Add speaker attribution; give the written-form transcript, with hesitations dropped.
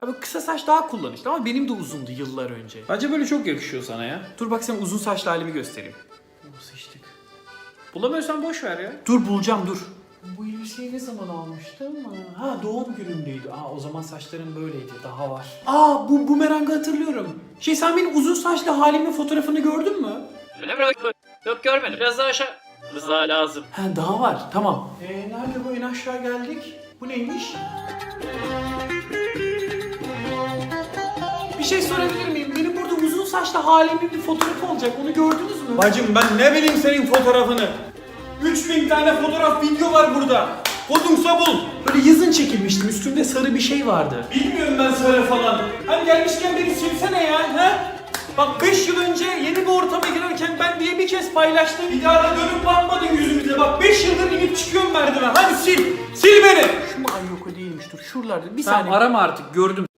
Speaker 1: Abi kısa saç daha kullanışlı ama benim de uzundu yıllar önce.
Speaker 2: Bence böyle çok yakışıyor sana ya.
Speaker 1: Dur bak sana uzun saçlı halimi göstereyim.
Speaker 2: Sıçtık. Bulamıyorsan boş ver ya.
Speaker 1: Dur bulacağım dur. Bu elbiseyi ne zaman almıştım? Ha doğum günümdeydi. O zaman saçlarım böyleydi. Daha var. Bu bumerangı hatırlıyorum. Sen benim uzun saçlı halimin fotoğrafını gördün mü?
Speaker 2: Öyle mi? Yok görmedim. Biraz daha aşağı. Rıza lazım.
Speaker 1: Daha var. Tamam. Nerede bu? En aşağı geldik. Bu neymiş? Bir şey sorabilir miyim? Benim burada uzun saçlı halimin bir fotoğrafı olacak. Onu gördünüz mü?
Speaker 3: Bacım ben ne bileyim senin fotoğrafını. 3000 tane fotoğraf video var burada. Kodumsa bul.
Speaker 1: Böyle yazın çekilmiştim. Üstümde sarı bir şey vardı.
Speaker 3: Bilmiyorum ben sarı falan. Hani gelmişken beni silsene ya. He? Bak 5 yıl önce yeni bir ortama girerken ben diye bir kez paylaştım. Bir daha da dönüp bakmadın yüzümüze. Bak 5 yıldır inip çıkıyorum merdiven. Hadi sil. Sil beni.
Speaker 1: Şu mu? Ay yok o değilmiş. Dur şuralarda. Bir
Speaker 2: Tamam
Speaker 1: saniye.
Speaker 2: arama artık gördüm.